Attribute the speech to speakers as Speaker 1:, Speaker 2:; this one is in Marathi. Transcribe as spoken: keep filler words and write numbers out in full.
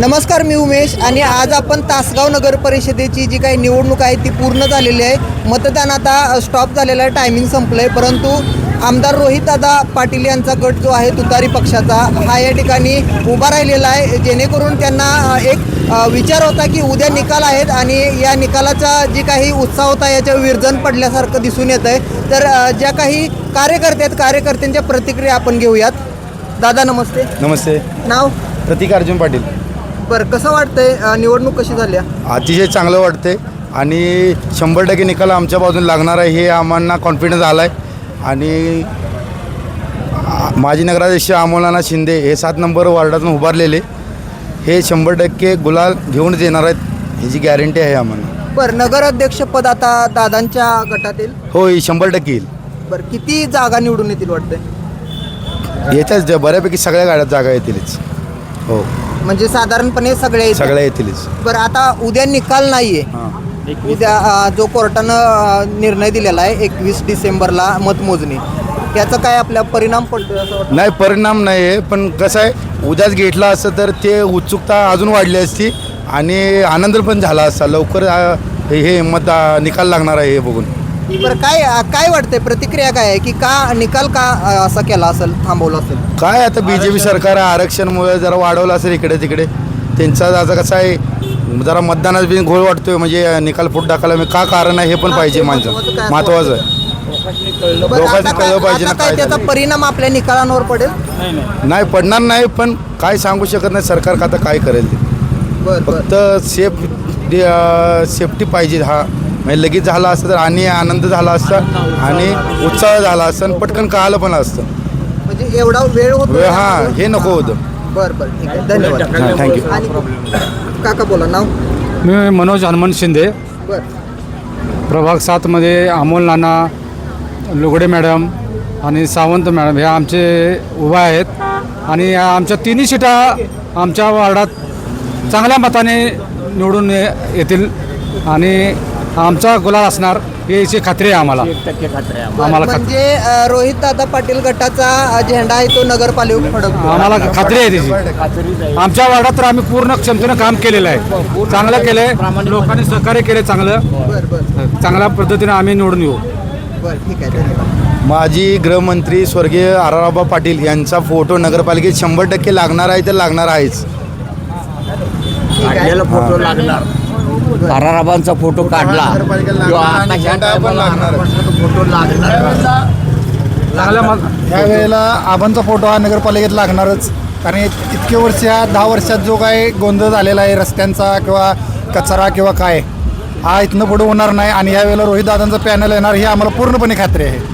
Speaker 1: नमस्कार, मी उमेश आणि आज आपण तासगाव नगर परिषदेची जी काही निवडणूक आहे ती पूर्ण झालेली आहे. मतदान आता स्टॉप झालेलं आहे, टायमिंग संपलं आहे. परंतु आमदार रोहितदादा पाटील यांचा गट जो आहे तुतारी पक्षाचा हा या ठिकाणी उभा राहिलेला आहे, जेणेकरून त्यांना एक विचार होता की उद्या निकाल आहेत आणि या निकालाचा जी काही उत्साह होता याच्या विरजन पडल्यासारखं दिसून येत आहे. तर ज्या काही कार्यकर्ते आहेत कार्यकर्त्यांच्या प्रतिक्रिया आपण घेऊयात. दादा नमस्ते.
Speaker 2: नमस्ते.
Speaker 1: नाव?
Speaker 2: प्रतीक अर्जुन पाटील.
Speaker 1: बरं, कसं वाटतंय, निवडणूक कशी झाली?
Speaker 2: अतिशय चांगलं वाटते आणि शंभर टक्के निकाल आमच्या बाजून लागणार आहे हे आम्हाला कॉन्फिडन्स आला आहे. आणि माजी नगराध्यक्ष अमोल शिंदे हे सात नंबर वार्डातून उभारलेले हे शंभर टक्के गुलाल घेऊन येणार आहेत ह्याची गॅरंटी आहे आम्हाला.
Speaker 1: बरं, नगराध्यक्षपद आता दादांच्या गटात येईल?
Speaker 2: हो, ही शंभर टक्के येईल.
Speaker 1: बरं, किती जागा निवडून येतील वाटतंय?
Speaker 2: येत्याच बऱ्यापैकी सगळ्या गाड्यात जागा येतीलच. हो,
Speaker 1: म्हणजे साधारणपणे सगळे
Speaker 2: सगळ्या येतीलच.
Speaker 1: बरं, आता उद्या निकाल नाही आहे. उद्या जो कोर्टानं निर्णय दिलेला आहे एकवीस डिसेंबरला मतमोजणी, त्याचा काय आपल्या परिणाम पडतो असं वाटतं?
Speaker 2: नाही, परिणाम नाही आहे, पण कसं आहे उद्याच घेतला असतं तर ते उत्सुकता अजून वाढली असती आणि आनंद पण झाला असता. लवकर हे मत निकाल लागणार आहे हे बघून.
Speaker 1: बरं, काय काय वाटतंय, प्रतिक्रिया काय आहे की का निकाल का असा केला असेल, थांबवला असेल?
Speaker 2: काय आता बी जे पी सरकार आरक्षणमुळे जरा वाढवलं असेल इकडे तिकडे. त्यांचा आता कसं आहे जरा मतदानात बी घोळ वाटतोय, म्हणजे निकाल फुट टाकायला मी का कारण आहे हे पण पाहिजे माणसं. महत्त्वाचं आहे, लोकांचं कळलं पाहिजे ना काय
Speaker 1: त्याचा परिणाम आपल्या निकालांवर पडेल.
Speaker 2: नाही पडणार नाही, पण काय सांगू शकत नाही सरकार आता काय करेल ते. फक्त सेफ सेफ्टी पाहिजे. हा म्हणजे लगेच झाला असतं तर आणि आनंद झाला असता आणि उत्साह झाला असता आणि पटकन कळालं पण असतं.
Speaker 1: म्हणजे एवढा वेळ होतो
Speaker 2: हां, हे नको होतं.
Speaker 1: बरं बरं, ठीक आहे, धन्यवाद.
Speaker 2: थँक्यू.
Speaker 1: आणि काका बोला. नाव?
Speaker 3: मी मनोज हनुमंत शिंदे.
Speaker 1: बरं,
Speaker 3: प्रभाग सातमध्ये अमोल नाना, लुगडे मॅडम आणि सावंत मॅडम हे आमचे उभा आहेत आणि आमच्या तिन्ही सीटा आमच्या वार्डात चांगल्या मताने निवडून येतील आणि आमचा गुलाल असणार याची खात्री आहे आम्हाला. आम्हाला
Speaker 1: म्हणजे रोहित दादा पाटील गटाचा झेंडा आहे तो नगरपालिका फडकतो.
Speaker 3: आम्हाला खात्री आहे त्याची. आमच्या वार्डात तर आम्ही पूर्ण क्षमतेनं काम केलेलं आहे, चांगलं केलं आहे, लोकांनी सहकार्य केले चांगलं.
Speaker 1: बरं बरं
Speaker 3: चांगल्या पद्धतीने आम्ही निवडून येऊ.
Speaker 1: बरं, ठीक आहे, धन्यवाद.
Speaker 2: माजी गृहमंत्री स्वर्गीय आराराबा पाटील यांचा फोटो नगरपालिकेत शंभर टक्के लागणार आहे तर लागणार आहेच.
Speaker 4: फोटो लागणार. आराराबांचा फोटो काढला फोटो लागणार.
Speaker 5: ह्या वेळेला आबांचा फोटो हा नगरपालिकेत लागणारच, कारण इतके वर्ष ह्या दहा वर्षात जो काय गोंधळ झालेला आहे रस्त्यांचा किंवा कचरा किंवा काय, हा इथनं पुढे होणार नाही. आणि ह्या वेळेला रोहितदादांचं पॅनल येणार ही आम्हाला पूर्णपणे खात्री आहे.